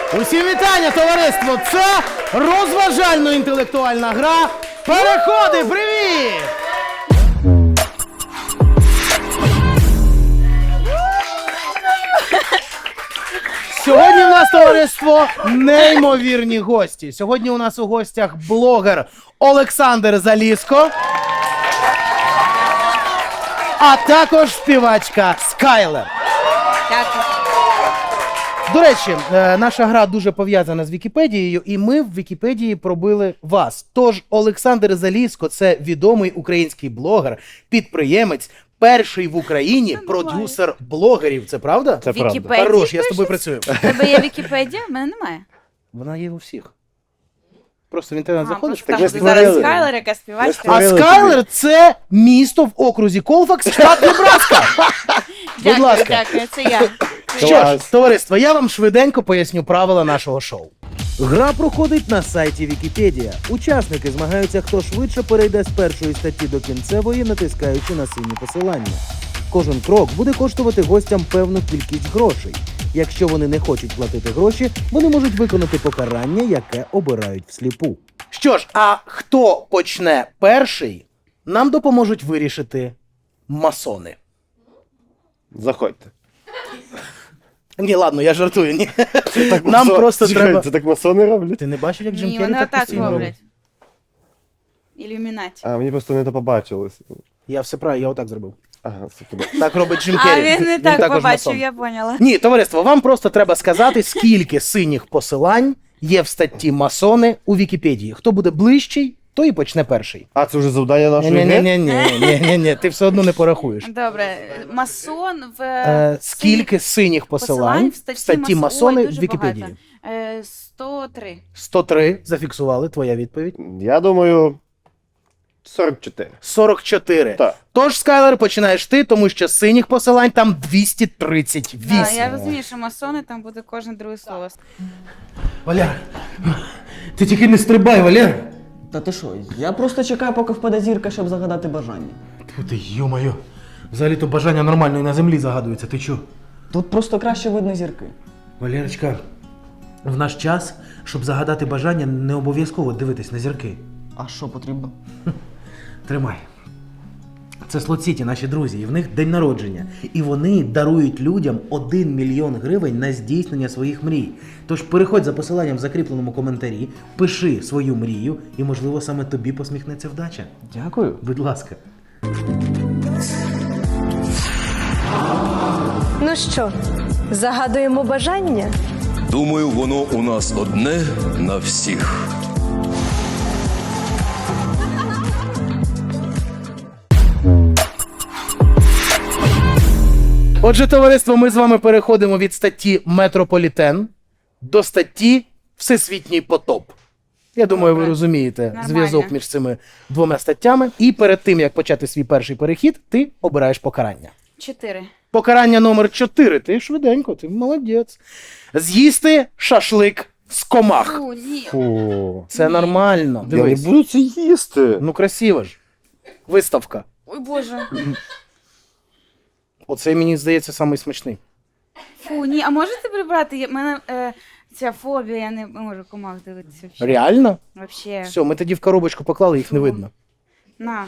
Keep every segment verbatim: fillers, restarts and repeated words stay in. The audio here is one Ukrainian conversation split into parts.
Усім вітання, товариство! Це розважально-інтелектуальна гра «Переходи». Привіт! Сьогодні у нас, товариство, неймовірні гості. Сьогодні у нас у гостях блогер Олександр Залізко, а також співачка Скайлер. Дякую. До речі, наша гра дуже пов'язана з Вікіпедією, і ми в Вікіпедії пробили вас. Тож Олександр Залізко – це відомий український блогер, підприємець, перший в Україні продюсер блогерів. Це правда? Це правда. Хорош, я з тобою працюю. У тебе є Вікіпедія? В мене немає. Вона є у всіх. Просто в інтернет А, заходиш. просто так кажуть, ви зараз створили. Скайлер, яка співачка. А Створили Скайлер – це місто в окрузі Колфакс, штат Небраска. Будь Дякую, ласка. дякую, це я. Що ж, Клас. товариство, я вам швиденько поясню правила нашого шоу. Гра проходить на сайті Вікіпедія. Учасники змагаються, хто швидше перейде з першої статті до кінцевої, натискаючи на сині посилання. Кожен крок буде коштувати гостям певну кількість грошей. Якщо вони не хочуть платити гроші, вони можуть виконати покарання, яке обирають всліпу. Що ж, а хто почне перший, нам допоможуть вирішити масони. Заходьте. Ні, ладно, я жартую, ні. Так Нам масо- просто Чекай, треба... Це так масони роблять? Ти не бачив, як Джим Ні, Керрі вони так отак постійно робить? роблять. Ілюмінаті. А, мені просто не то побачилось. Я все правильно, я отак зробив. Ага, це туди. Так робить Джим А Керрі. він не так також побачив, масон. я поняла. Ні, товариство, вам просто треба сказати, скільки синіх посилань є в статті масони у Вікіпедії. Хто буде ближчий, той і почне перший. А, це вже завдання нашої гри? Ні-ні-ні, ти все одно не порахуєш. Добре, масон в... Е, скільки синіх посилань в статті масони в Вікіпедії? Е, сто три. сто три, зафіксували, твоя відповідь. Я думаю, сорок чотири. сорок чотири. Так. Тож, Скайлер, починаєш ти, тому що синіх посилань там двісті тридцять вісім. Да, я розумію, що масони там буде кожне друге слово. Валер, ти тільки не стрибай, Валер. Та ти що? Я просто чекаю, поки впаде зірка, щоб загадати бажання. Тьфу ти, йо-моє. Взагалі-то бажання нормально і на землі загадується, ти чо? Тут просто краще видно зірки. Валерочка, в наш час, щоб загадати бажання, не обов'язково дивитись на зірки. А що потрібно? Тримай. Це Слот-Сіті, наші друзі, і в них день народження. І вони дарують людям один мільйон гривень на здійснення своїх мрій. Тож переходь за посиланням в закріпленому коментарі, пиши свою мрію, і, можливо, саме тобі посміхнеться вдача. Дякую. Будь ласка. Ну що, загадуємо бажання? Думаю, воно у нас одне на всіх. Отже, товариство, ми з вами переходимо від статті «Метрополітен» до статті «Всесвітній потоп». Я думаю, ви Добре. розумієте Нормально. зв'язок між цими двома статтями. І перед тим, як почати свій перший перехід, ти обираєш покарання. Чотири. Покарання номер чотири. Ти швиденько, ти молодець. З'їсти шашлик з комах. Фу, ні. Фу. Це нормально. Я не Дивись. буду це їсти. Ну, красиво ж. Виставка. Ой, Боже. Оцей, мені здається, самий смачний. Фу, ні, а можете прибрати? У мене е, ця фобія, я не можу комах дивитися. Вообще. Реально? Вообще. Все, ми тоді в коробочку поклали, їх не видно. На.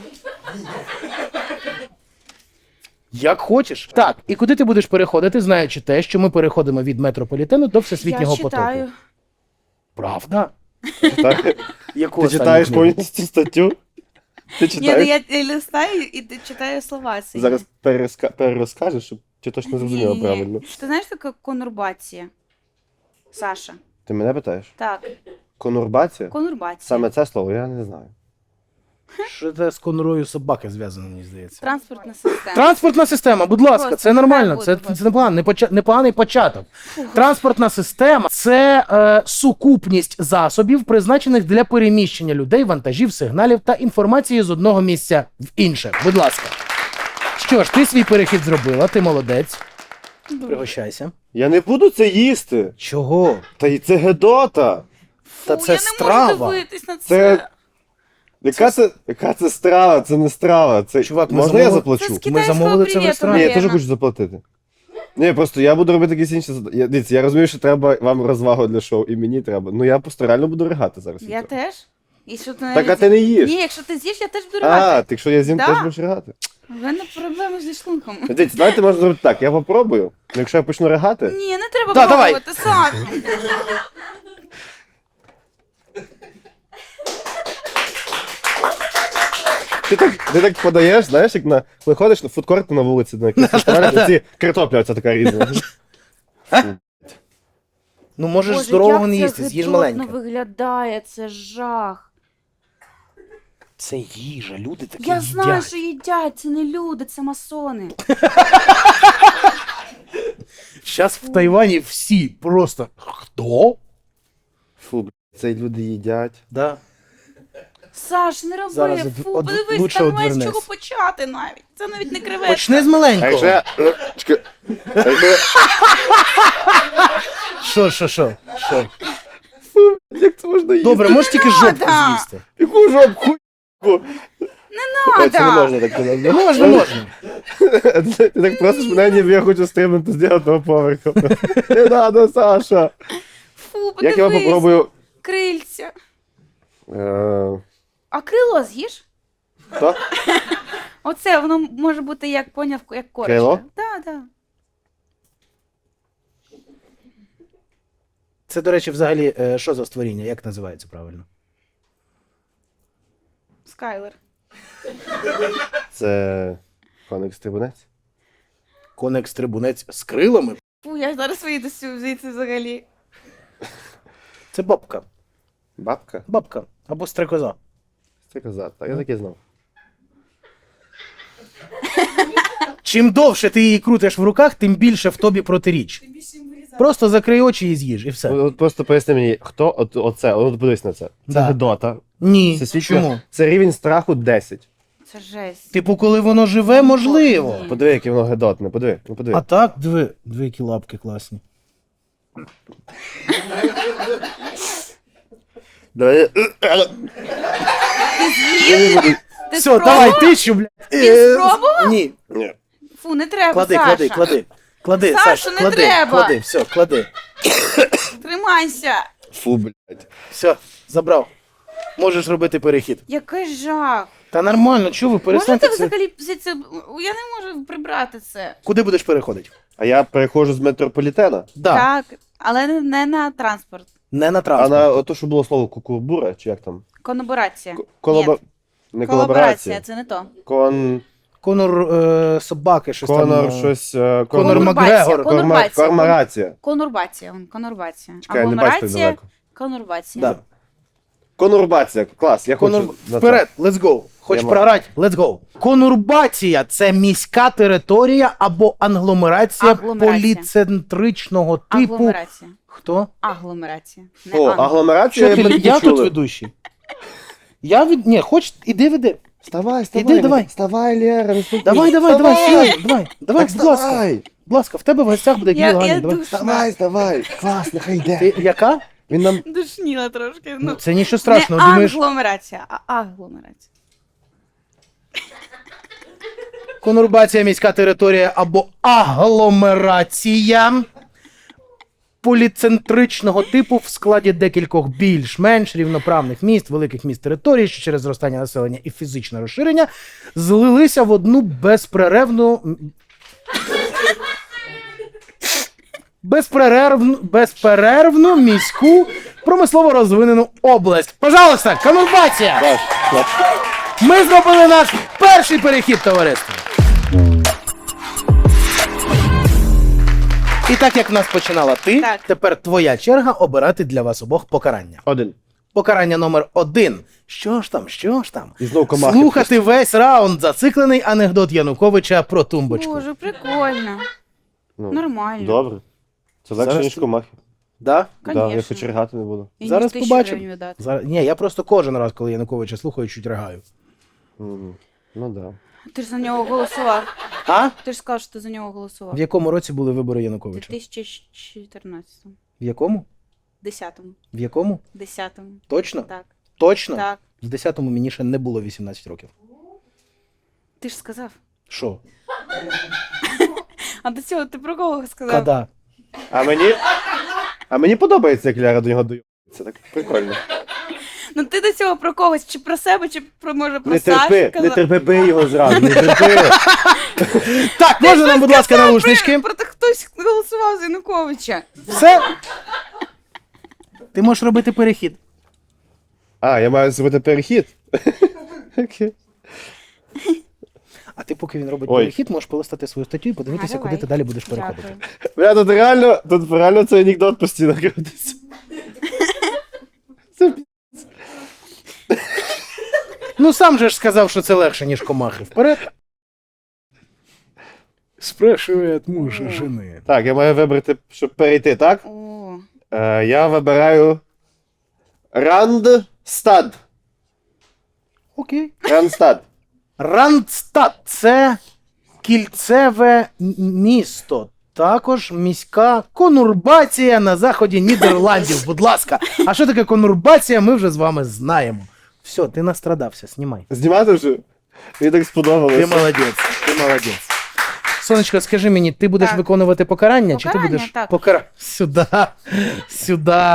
Як хочеш. Так, і куди ти будеш переходити, знаючи те, що ми переходимо від метрополітену до всесвітнього Я потоку? читаю. Правда? Так? Яку Ти останню читаєш книгу? повністю статтю? Ти Ні, ну читаєш? я листаю і т- читаю слова. сині. Зараз переска- перерозкажеш, щоб ти точно зрозуміла Ні-ні-ні. правильно. Ти знаєш, що таке конурбація? Саша. Ти мене питаєш? Так, Конурбація? конурбація. Саме це слово я не знаю. Що це з конурою собаки зв'язано, мені здається. Транспортна система. Транспортна система, будь ласка, Господи, це нормально, хай це, буде, це непоганий, непоча- непоганий початок. Транспортна система – це е, сукупність засобів, призначених для переміщення людей, вантажів, сигналів та інформації з одного місця в інше. Будь ласка. Що ж, ти свій перехід зробила, ти молодець. Пригощайся. Я не буду це їсти. Чого? Та й це гедота. Та Фу, це я не страва. можу дивитись на це. Це... Яка це... Яка це страва? Це не страва. Це... Чувак, ми Можна я замовили- заплачу? Це з Ми китайського замовили це в привіту, ресторані. Ні, я теж наверно. хочу заплатити. Ні, просто я буду робити якісь інші задачі. Я, дивіться, я розумію, що треба вам розвагу для шоу, і мені треба. Ну я просто реально буду ригати зараз. від Я цього. теж. І що ти Так, навіть- а ти не їш. Ні, якщо ти з'їш, я теж буду А, ригати. так якщо я з'їм, Да. теж будеш ригати. У мене проблеми зі шлунком. Дивіться, давайте можна зробити так, я попробую, ну, якщо я почну ригати, Ні, не треба Да, давай. пробувати, Саш. ти так, ти так подаєш, знаєш, як на, коли ходиш на фудкорт на вулиці, на якийсь фестиваль, ці картопля оця така різна. Ну можеш Боже, здорового не як їсти, це з'їж гидотно маленьке. виглядає, це жах. Це їжа, люди такі Я їдять. знаю, що їдять, це не люди, це масони. Зараз в Тайвані всі просто. Хто? Фу, блядь, це люди їдять. Да. Саш, не роби, Зараз фу, од- подивись, лучше там немає з одвернись. чого почати навіть. Це навіть не креветка. Почни з А маленького. якщо я... е, чекай. А якщо я- Що, що, що? Що? Як це можна їсти? Добре, можеш тільки жопку Надо. з'їсти. Яку жопку? Не Ой, це не надо. можна так казати. Можна, можна. Ти так просиш мене, ніби я хочу стрибнути з дев'ятого поверху. Не надо, Саша. Фу, Як я подивись, попробую... крильця. Е, А крило з'їш? Що? Оце, воно може бути, як поняв, як корочка. Крило? Так, так. Це, до речі, взагалі, е, що за створіння? Як називається правильно? Скайлер. Це... Коник стрибунець? Коник-стрибунець з крилами? Фу, я зараз вийду сю- звідси взагалі. Це бабка. Бабка? Бабка. Або стрекоза. Це коза. Так, я так і знав. Чим довше ти її крутиш в руках, тим більше в тобі протиріч. Просто закрий очі і з'їж, і все. От просто поясни мені, хто от, оце, от подивись на це. Це Да. Гедота. Ні. Це Чому? свідчить. Це рівень страху десять. Це жесть. Типу, коли воно живе, можливо. Ні. Подиви, яке воно гедотне, подиви, ну подиви. А так, диви, дві які лапки класні. Давай. Ти Все, спробував? давай, тищу, блядь. Ти Е, спробував? Ні. Ні. Фу, не треба, Клади, Саша. клади, клади. Клади, Саша, Саш, не клади, треба. клади, все, клади. Тримайся. Фу, блядь. Все, забрав. Можеш робити перехід. Який жах. Та нормально, чого ви Можете перестаньте це? взагалі звідси... Я не можу прибрати це. Куди будеш переходити? А я переходжу з метрополітена, Да, Так, але не- не на транспорт. не на а транспорт. на ото, що було слово кукурбура, чи як там? Колаборація. К- Колаба... Ні, Не колаборація, колаборація. це не то. Кон... Конор е, собаки, щось Конор там. е, щось... е, Конор кон- Конурбація, Макгрегор. Корма... конурбація. Кормарація. Конурбація, он, конурбація. Чекай, не бачу так Агломерація, далеко. конурбація. Да. Конурбація, клас, я Конур... хочу... на це. Вперед, let's go. Хочеш Я маю. програти? Let's go. Конурбація – це міська територія або англомерація, Агломерація. поліцентричного типу. Агломерація. Хто? Агломерація. Не О, англ. агломерація, Що ти, ми я тут почули. ведущий. Я від... Ні, хоч, іди веди. Вставай, вставай. Іди, давай. Вставай, Лера, не спокійно. Давай, давай, давай, Вставай. серйозно, давай. Давай, Так будь ласка. вставай. Будь ласка, в тебе в гостях буде Я- Кирил я Ганін. Давай. душу. Вставай, вставай. Клас, нехай йде. Ти яка? Він нам... Душніла трошки. Ну, Ну, це нічого страшного, не думаєш. агломерація, а агломерація. Конурбація – міська територія або агломерація поліцентричного типу в складі декількох більш-менш рівноправних міст, великих міст територій, що через зростання населення і фізичне розширення злилися в одну безперервну безперервну, безперервну міську промислово розвинену область. Пожалуйста, конурбація! Клас, клас. Ми зробили наш перший перехід, товариство. І так як в нас починала ти, Так. тепер твоя черга обирати для вас обох покарання. Один. Покарання номер один. Що ж там, що ж там? І знов комахи. Слухати весь раунд зациклений анекдот Януковича про тумбочку. Боже, прикольно. Ну, Нормально. Добре. Це легше, Зараз ніж ти- комахи. Да? Да, я Конечно. хоч ригати не буду. І Зараз ніж тисячу побачимо. гривень віддати. Зараз... Ні, я просто кожен раз, коли Януковича слухаю, чуть ригаю. Мгм. Ну да. Ти ж за нього голосував. А? Ти ж сказав, що ти за нього голосував. В якому році були вибори У Януковича? дві тисячі чотирнадцятому. В якому? Десятому. В якому? Десятому. Точно? Так. Точно? Так. В десятому мені ще не було вісімнадцять років. Ти ж сказав. Що? А до цього ти про кого сказав? Кода. А мені. А мені подобається, як Ляра до нього доїбається. Так прикольно. Ну ти до цього про когось, чи про себе, чи про, може, про Не Сашу терпи, казав? не терпи, бий його зразу, не терпи. Так, можна нам, будь ласка, наушнички? Про те, хтось голосував за Януковича. Все. Ти можеш робити перехід. А, я маю зробити перехід. Окей. А ти, поки він робить Ой. перехід, можеш полистати свою статтю і подивитися, Ага, куди давай. ти далі будеш переходити. Дякую. Бля, тут реально, тут реально цей анекдот постійно крутиться. Це пі- Ну сам же ж сказав, що це легше, ніж комахи. Вперед. Спрашивает мужа жени. Так, я маю вибрати, щоб перейти, так? О, Е, я вибираю Рандстад. Окей. Рандстад. Рандстад – це кільцеве м- місто. Також міська конурбація на заході Нідерландів. Будь ласка. А що таке конурбація, ми вже з вами знаємо. Все, ти настрадався, знімай. Знімати вже? Мені так сподобалося. Ти молодець, ти молодець. Сонечко, скажи мені, ти будеш Так. виконувати покарання, чи ти Покарання, будеш так. покара... Сюди, сюди.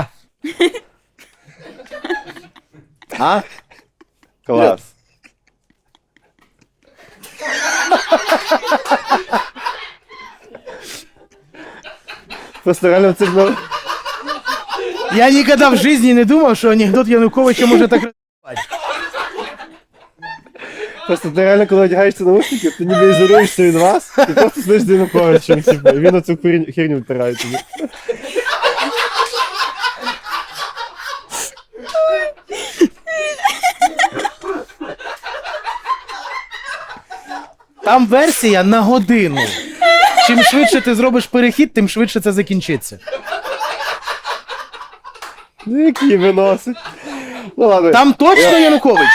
А? Клас. Просто реально це було... Я ніколи в житті не думав, що анекдот Януковича може так розбивати. Просто ти реально, коли одягаєшся наушники, ти ніби ізолюєшся від вас, і просто сидиш з Януковичем, типу, і він оцю херню- херню втирає тобі. Там версія на годину. Чим швидше ти зробиш перехід, тим швидше це закінчиться. Ну, які виносить. Ну ладно. Там точно Янукович.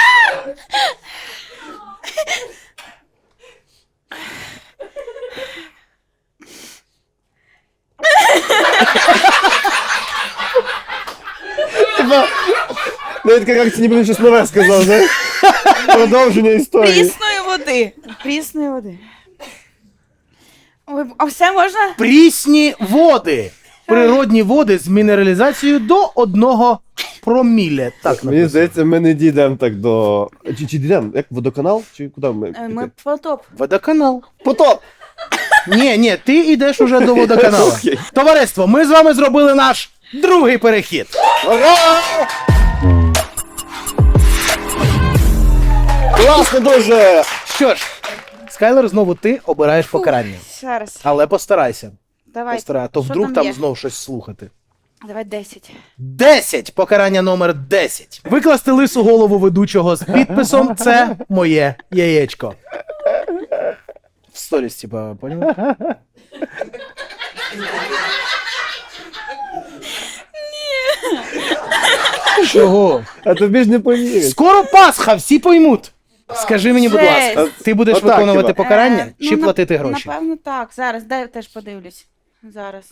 Типа, навіть така реакція, ніби він щось нове сказав, знаєш? Продовження історії. прісної води. Прісної води. Ой, а все можна? Прісні води. Природні води з мінералізацією до одного промілля. Так Мені написано. здається, ми не дійдемо так до... Чи, чи дійдемо? Як водоканал? Чи куди ми? Е, Ми потоп. Водоканал. Потоп! Ні, ні, ти йдеш уже до водоканалу. Окей. Товариство, ми з вами зробили наш другий перехід. Ура! Класно дуже! Що ж, Скайлер, знову ти обираєш покарання. Зараз. Але постарайся. Давай. Постарай, а то Що вдруг там там є? знов щось слухати. Давай десять. Десять. Покарання номер десять. Викласти лису голову ведучого з підписом «Це моє яєчко». В сторіс, типа, поняв? Ні. Чого? А тобі ж не повірять. Скоро Пасха, всі поймуть. Скажи мені, будь Жесть. ласка, ти будеш Отак, виконувати хіба? покарання Е, чи ну, платити нап- гроші? Напевно, так. Зараз, дай теж подивлюсь. Зараз.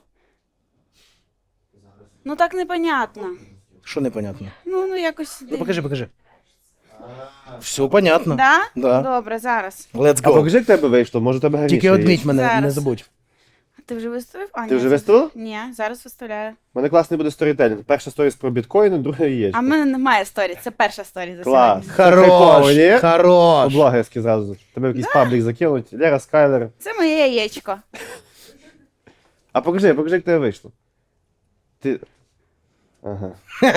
Ну так непонятно. Що непонятно? Ну, ну якось. Ну покажи, покажи. Все понятно. Да? Да. Добре, зараз. Let's А go. покажи, як тебе вийшло, може тебе гарніше Тільки є. одміть мене, Зараз. не забудь. Ти вже виставив? А, Ти ні, вже це- виставила? Ні, зараз виставляю. У мене класний буде сторітелінг. Перша сторіс про біткоїни, друга яєчко. А в мене немає сторі, це перша сторі за Клас. сьогодні. Хайпово, Хорош, ні? хорош. Блогерський зразу. Тебе в якийсь паблік закинуть. Лера Скайлер. Це моє яєчко. А покажи, покажи, як тебе вийшло. Ти. Ага.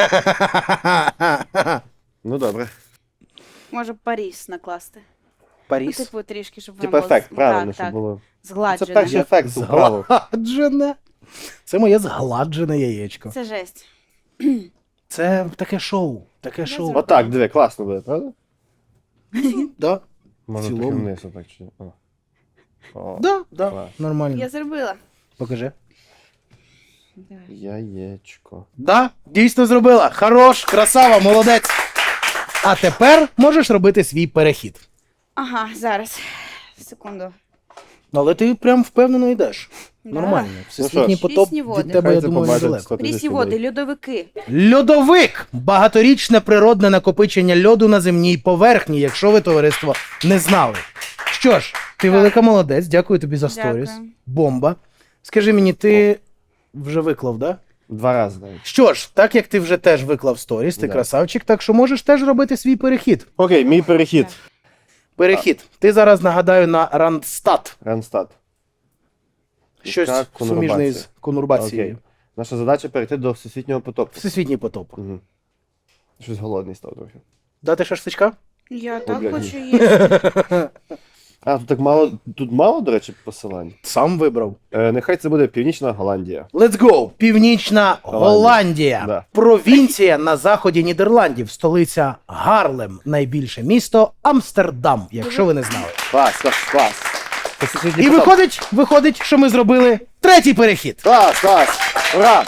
Ну добре. Може Паріс накласти. Ну, Паріс. типу, трішки, щоб воно Типа було ефект, з- правильно, так, щоб так, було. Це згладжено. перший ефект управив. Згладжене. Це моє згладжене яєчко. Це жесть. Це таке шоу. Таке шоу. зробила. Отак, диви, класно буде, правда? Да. Може цілому. трохи вниз отак чи. О. О. Да, да. Клас. Нормально. Я зробила. Покажи. Давай. Яєчко. Да, дійсно зробила. Хорош, красава, молодець. А тепер можеш робити свій перехід. Ага, зараз. Секунду. Але ти прям впевнено йдеш. Да. Нормально. Всесвітній що ж. потоп Прісні води. від тебе, Хай я це думаю, побачить недалеко. сто тисяч Прісні людей. води, льодовики. Льодовик багаторічне природне накопичення льоду на земній поверхні, якщо ви, товариство, не знали. Що ж, Ти велика молодець, дякую тобі за сторіс. Дякую. Бомба. Скажи мені, ти вже виклав, да? Два рази навіть. Що ж, так як ти вже теж виклав сторіс, ти Да. красавчик, так що можеш теж робити свій перехід. Окей, мій перехід. Перехід. Ти зараз, нагадаю, на Рандстат. Рандстат. Щось Яка суміжне конурбація. з конурбацією. Окей. Наша задача перейти до всесвітнього потопу. Всесвітній потоп. Угу. Щось голодний став трохи. Дати шашличка? Я так блядь, хочу їсти. А, тут так мало, тут мало, до речі, посилань. Сам вибрав. Е, нехай це буде Північна Голландія. Let's go! Північна Голландія. Да. Провінція на заході Нідерландів. Столиця Гарлем. Найбільше місто Амстердам, якщо ви не знали. Клас, клас, клас. Це всесвітній І потоп. виходить, виходить, що ми зробили третій перехід. Клас, клас! Ура!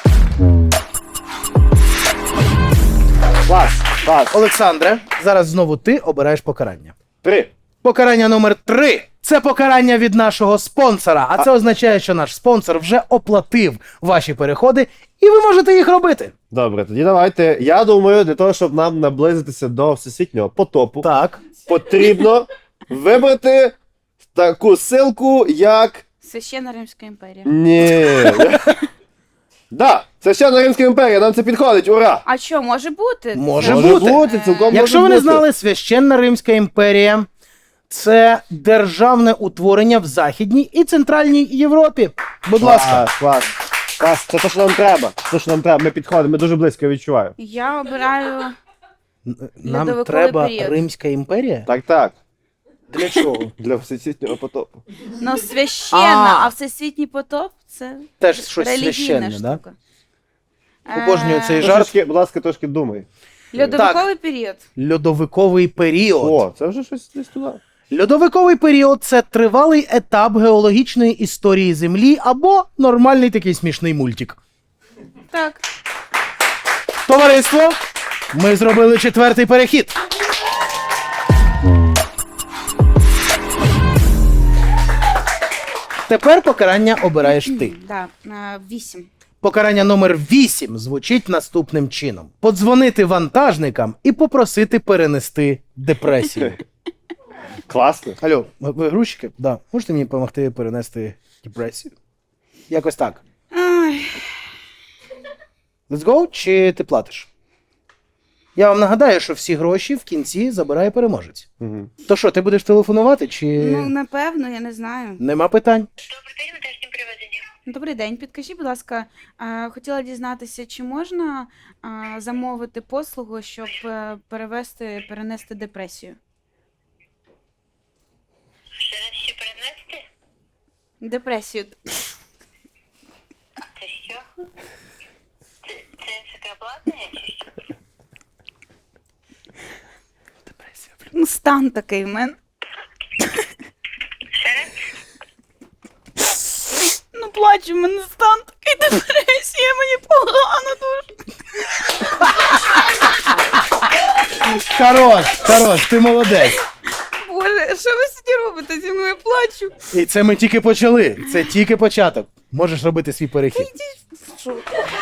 Клас, клас. Олександре, зараз знову ти обираєш покарання. Три. Покарання номер три. Це покарання від нашого спонсора. А це означає, що наш спонсор вже оплатив ваші переходи, і ви можете їх робити. Добре, тоді давайте. Я думаю, для того, щоб нам наблизитися до всесвітнього потопу, Так. потрібно вибрати таку ссылку, як. Священна Римська імперія. Ні. Да, Священна Римська імперія, нам це підходить, ура! А що, може бути? Може Може бути. бути, цілком Якщо може ви не бути. знали, Священна Римська імперія це державне утворення в Західній і Центральній Європі. Будь ласка. Клас, клас. Клас, це те, що нам треба. Це те, що нам треба. Ми підходимо, ми дуже близько, я відчуваю. Я обираю Нам льодовиковий треба період. Римська імперія? Так, так. Для чого? Для всесвітнього потопу. ну, священна, А. а всесвітній потоп це Теж щось релігійна священне, да? штука. Обожнюю Е, цей жарт. Трошки, будь ласка, трошки думай. Льодовиковий період. Льодовиковий період. О, це вже щось десь туди. Льодовиковий період це тривалий етап геологічної історії Землі або нормальний такий смішний мультик. Так. Товариство, ми зробили четвертий перехід. Тепер покарання обираєш ти. Да, е, вісім. Покарання номер вісім звучить наступним чином: подзвонити вантажникам і попросити перенести депресію. Класно. Алло, ви- ви грузчики? Да. Можете мені допомогти перенести депресію? Якось так. Ай, Let's go, чи ти платиш? Я вам нагадаю, що всі гроші в кінці забирає переможець. Угу. То що, ти будеш телефонувати, чи ну, напевно, я не знаю. нема питань? Добрий день, підкажіть, будь ласка, е, хотіла дізнатися, чи можна е, замовити послугу, щоб е, перевести, перенести депресію? Ще раз ще перенести? Депресію. Це що? Це, це секреплатне чи що? Ну, стан такий в мене. Ще раз? Ну, плачу, в мене стан такий, депресія, мені погано дуже. Хорош, хорош, ти молодець. Боже, що ви сьогодні робите зі мною? Я плачу. І це ми тільки почали. Це тільки початок. Можеш робити свій перехід. Що?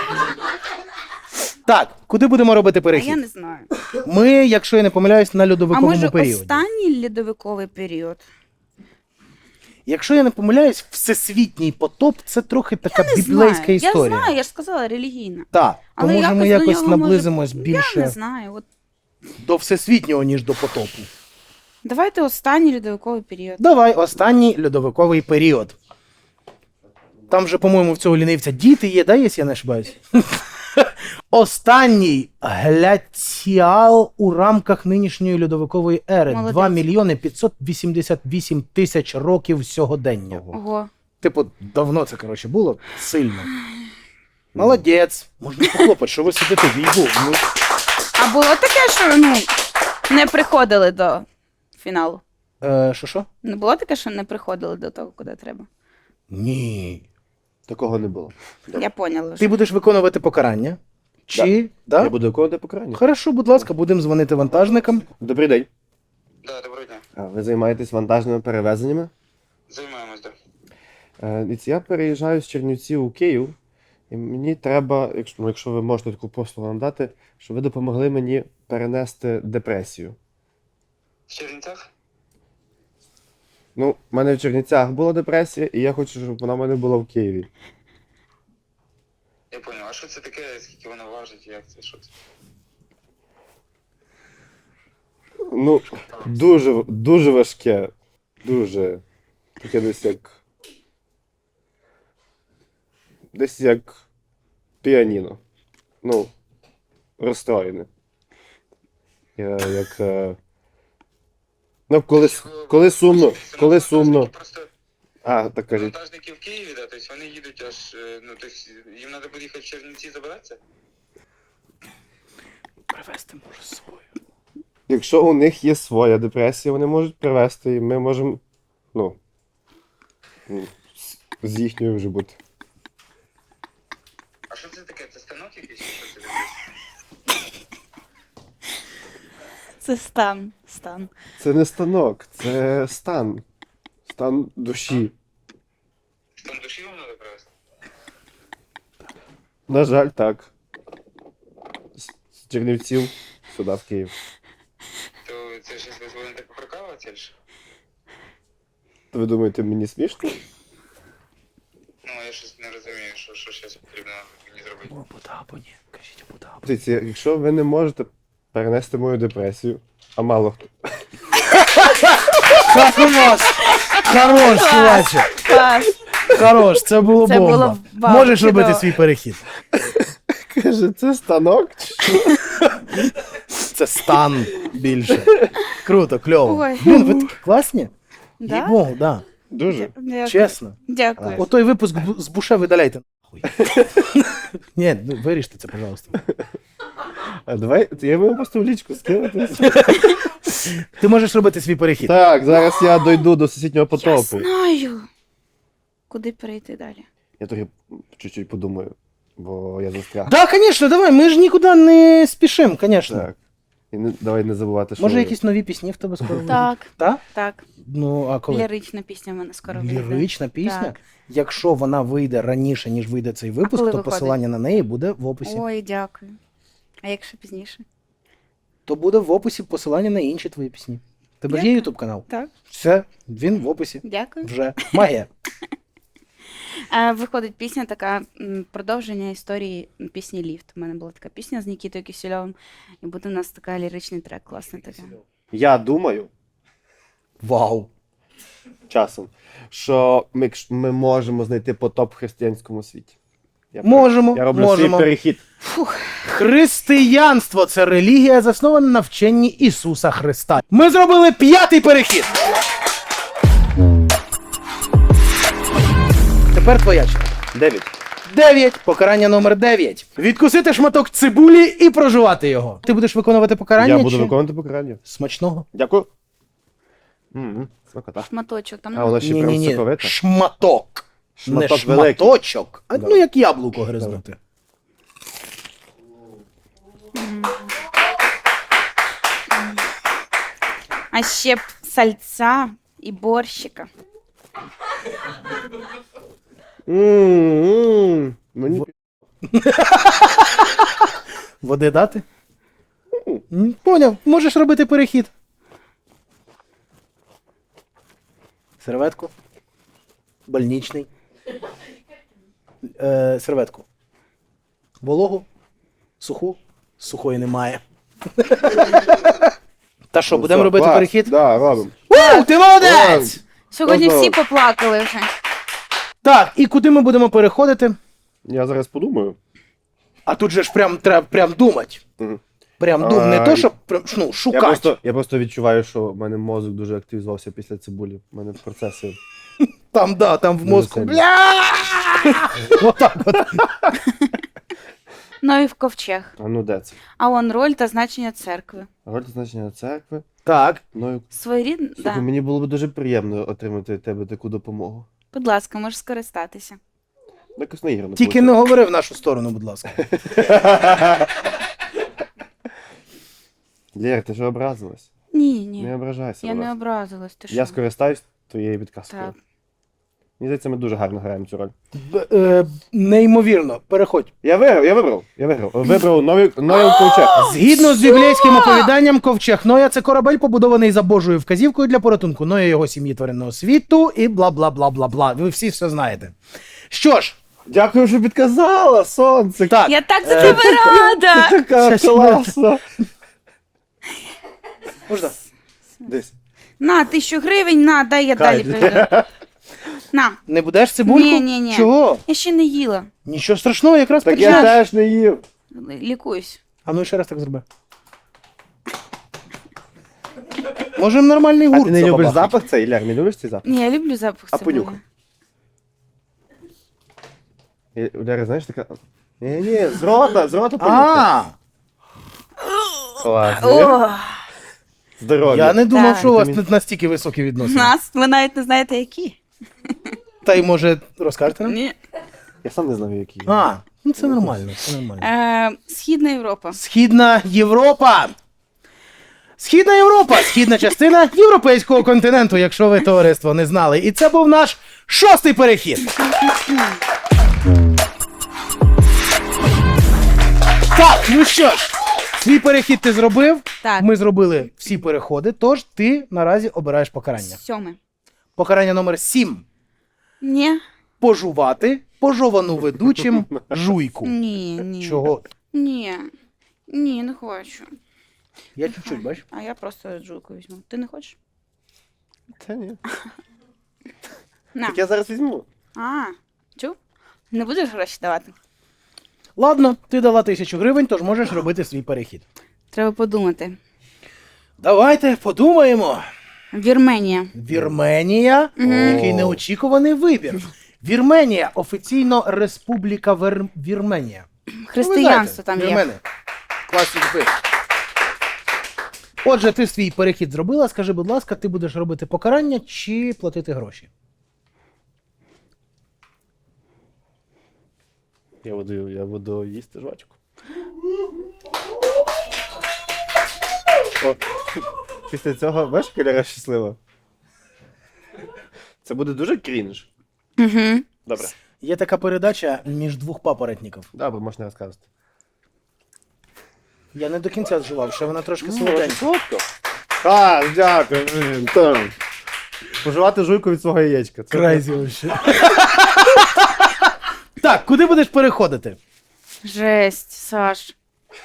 Так, куди будемо робити А я перехід? не знаю. Ми, якщо я не помиляюсь, на А льодовиковому може періоді. останній льодовиковий період? Якщо я не помиляюсь, всесвітній потоп це трохи така Не біблейська знаю. історія. Я знаю, я ж сказала, релігійна. Так, то Але може ми якось до якось нього, наблизимось може... Я більше не знаю. От... до всесвітнього, ніж до потопу. Давайте останній льодовиковий період. Давай, останній льодовиковий період. Там же, по-моєму, в цього лінивця діти є, да, якщо я не ошибаюсь? Останній гляціал у рамках нинішньої льодовикової ери. Молодець. два мільйони п'ятсот вісімдесят вісім тисяч років сьогодення. Ого. Типу, давно це, коротше, було сильно. Молодець. Можна похлопати, що ви сидите в їбу. Ну, А було таке, що ну, не приходили до фіналу? е, що що? Не було таке, що не приходили до того, куди треба? Ні. Такого не було. Я поняла Ти вже. будеш виконувати покарання? Чи? Да. Я буду виконувати покарання. Хорошо, будь ласка, будемо дзвонити вантажникам. Добрий день. Да, доброго дня. А ви займаєтесь вантажними перевезеннями? Займаємось, да. Е, дивіться, я переїжджаю з Чернівців у Київ, і мені треба, якщо, ну, якщо ви можете таку послугу нам дати, щоб ви допомогли мені перенести депресію. В Чернівцях? Ну, в мене в Чернівцях була депресія, і я хочу, щоб вона в мене була в Києві. Я понял. А що це таке, скільки воно важить, як це, що це? Ну, дуже, дуже важке. Дуже. Таке десь як. Десь як піаніно. Ну, розстроєне. Я, як. е, Ну, коли, с- коли сумно, коли сумно. Просто А, так кажіть. вантажники в Києві, да, тобто вони їдуть аж, е, ну, тобто їм треба буде їхати в Чернівці забиратися? Привезти може свою. Якщо у них є своя депресія, вони можуть привезти, і ми можемо. Ну. м, з- З їхньою вже бути. А що це таке? Це станок якийсь? чи Що це таке? Це стан. Стан. Це не станок, це стан. Стан душі. Там душі вам треба привезти? На жаль, так. З з Чернівців сюди, в Київ. То це щось ви будете поприкалуватися, чи що? То ви думаєте, мені смішно? Ну, я щось не розумію, що, що зараз потрібно мені зробити. О, буде або ні. Кажіть, буде або. Дивіться, якщо ви не можете перенести мою депресію, а мало хто. Хорош! Хорош, чуваче! Клас. Хорош, це було Це бомба. було вау, Можеш чудово. робити свій перехід. Каже, це станок? чи що? Це стан більше. Круто, кльово. Ой. Блін, ви такі класні? Да? Їй-богу, да. Дуже. Дякую. Чесно. Дякую. О той випуск бу- з Буше видаляйте нахуй. Ні, ну, виріште це, пожалуйста. А давай, я можу просто в лічку скинути. Ти можеш робити свій перехід. Так, зараз я дойду до сусіднього Я потопу. знаю. Куди перейти далі? Я трохи чуть-чуть подумаю, бо я застряг. Да, звісно, давай, ми ж нікуди не спішимо, звісно. Так. І не, давай не забувати, що. Може, якісь нові пісні в тебе скоро вийдуть? Так, Так? так. Ну, а коли? Лірична пісня в мене скоро вийде. Лірична пісня? Так. Якщо вона вийде раніше, ніж вийде цей випуск, коли то виходить? посилання на неї буде в описі. Ой, дякую. А якщо пізніше? То буде в описі посилання на інші твої пісні. Тебе ж є Дякую. YouTube канал? Так, Все, він в описі. дякую. Вже. Магія. Е, Виходить пісня така м, продовження історії пісні Ліфт. У мене була така пісня з Нікітою Кисельовим, і буде у нас така ліричний трек, класний такий. Я думаю, Вау. часом, що ми, якщо- ми можемо знайти потоп в християнському світі. Я пер- Можемо, Я роблю можемо. свій перехід. Християнство це релігія, заснована на вченні Ісуса Христа. Ми зробили п'ятий перехід. Тепер твоя черга. Дев'ять. Дев'ять. Покарання номер дев'ять. Відкусити шматок цибулі і прожувати його. Ти будеш виконувати покарання? Я буду чи... виконувати покарання. Смачного? Дякую. М-м, смакота. Шматочок там. А, вона ще прям Ні-ні-ні. соковита. Шматок. Шматок Не великий. шматочок, а Да. ну як яблуко гризнути. А ще б сальця і борщика. М-м-м. Мені В- Води дати? М, Поняв, можеш робити перехід. Серветку. Больничний. Е, серветку. Вологу. Суху. Сухої немає. Та що, будемо Все, робити клас. перехід? Да, робимо. У, ти молодець! Сьогодні Ого. всі поплакали вже. Так, і куди ми будемо переходити? Я зараз подумаю. А тут же ж прям треба прям думати. Мгм. Прям дум, не А, то, і- щоб прям, ну, Я шукати. просто, я просто відчуваю, що в мене мозок дуже активізувався після цибулі. У мене процеси. Там, да, там в Дуже мозку. сильно. Бля! Отак от. Ну і в ковчег. А ну де це? А он роль та значення церкви. Роль та значення церкви. Так. Ну, і- Своєрідно, слухай, да. мені було б дуже приємно отримати від тебе таку допомогу. Будь ласка, можеш скористатися. Якось наіграно. Тільки не говори в нашу сторону, будь ласка. Лєр, ти ж образилась? Ні, ні. Не ображайся. Я будь не ласка. образилась. Ти Я що? скористаюсь твоєю підказкою. Так. Мені здається, ми дуже гарно граємо цю роль. Б- е, неймовірно, переходь. Я виграв, я вибрав. Я виграв. Вибрав новий новий ковчег. Згідно з біблійським оповіданням, ковчег Ноя – це корабель, побудований за Божою вказівкою для порятунку Ноя, його сім'ї тваринного світу і бла-бла-бла-бла-бла. Ви всі все знаєте. Що ж, Дякую, що підказала, сонце. так. Я так за тебе рада! Така Щас, класна. Можна? Десь. На, тисячу гривень, на, дай я Кай. далі перейду. На, Не будеш цибульку? Ні, ні, ні. Чого? я ще не їла. Нічого страшного, якраз Так я почнеш. теж не їв. Лікуюсь. А ну ще раз так зроби. Можем нормальний А гурт ти не любиш забабахати. запах цей, Ляр, не любиш цей запах? Ні, я люблю запах А цибулі. понюхай. І у Ляри, знаєш, така... Ні-ні, з рота, з рота понюхай. А, Класно. О, Здоров'я. я не думав, Так. що у вас Вітамін. настільки високі відносини. нас, ви навіть не знаєте, які. Та й може розкажете нам? Ні. Я сам не знаю, які. А, ну це нормально, це нормально. Е, Східна Європа. Східна Європа. Східна Європа, східна частина європейського континенту, якщо ви, товариство, не знали. І це був наш шостий перехід. Так, ну що ж, свій перехід ти зробив. Так. Ми зробили всі переходи, тож ти наразі обираєш покарання. Сьоме. Покарання номер сім. Ні. Пожувати пожовану ведучим жуйку. Ні, ні. Чого? Ні. Ні, не хочу. Я чуть-чуть, бачиш? А я просто джулку візьму. Ти не хочеш? Та ні. На. Так я зараз візьму. А, чув? Не будеш гроші давати? Ладно, ти дала тисячу гривень, тож можеш робити свій перехід. Треба подумати. Давайте подумаємо. Вірменія. Вірменія, який О. неочікуваний вибір. Вірменія, офіційно Республіка Вер... Вірменія. Християнство там є. Вірмени. Класні типи. Отже, ти свій перехід зробила. Скажи, будь ласка, ти будеш робити покарання чи платити гроші? Я буду, я буду їсти жвачку. О, після цього, бачиш, Ляра щаслива? Це буде дуже крінж. Угу. Добре. Є така передача між двох папоротників. Добре, можна розказувати. Я не до кінця зживав, ще вона трошки Ну, солоденька. Солодко. А, дякую. блін, там. Поживати жуйку від свого яєчка. Це Крайзі вообще. Так, куди будеш переходити? Жесть, Саш.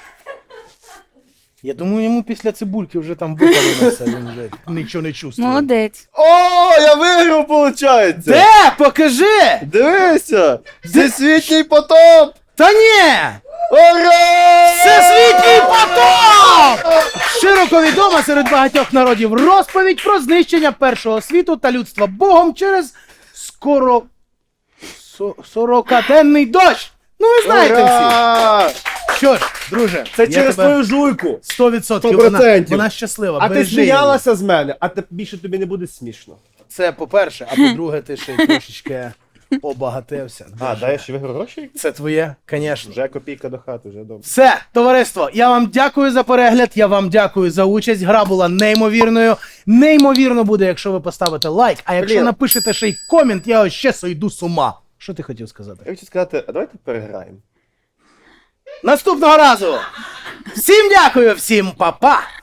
Я думаю, йому після цибульки вже там випалилося, він вже нічого не чувствує. Молодець. О, я виграв, виходить! Де? Покажи! Дивися! Всесвітній потоп! Та ні! Ура! Всесвітній потоп! Широко відома серед багатьох народів розповідь про знищення першого світу та людства Богом через скоро... со- сорокаденний дощ! Ну ви знаєте всі! Ура! Що ж, друже, Це я через тебе твою жуйку! сто відсотків сто вона, процентів. вона щаслива. А ти бережи її. сміялася з мене, а те- більше тобі не буде смішно. Це по-перше, а по-друге, ти ще й трошечки обагатився. А, дай ще виграв гроші? Це твоє, звісно. Вже копійка до хати, вже добре. Все, товариство, я вам дякую за перегляд, я вам дякую за участь. Гра була неймовірною. Неймовірно буде, якщо ви поставите лайк, а якщо Блін. напишете ще й комент, я ось ще сойду з ума. Що ти хотів сказати? Я хочу сказати, а давайте переграємо. Наступного разу! Всім дякую, всім па-па!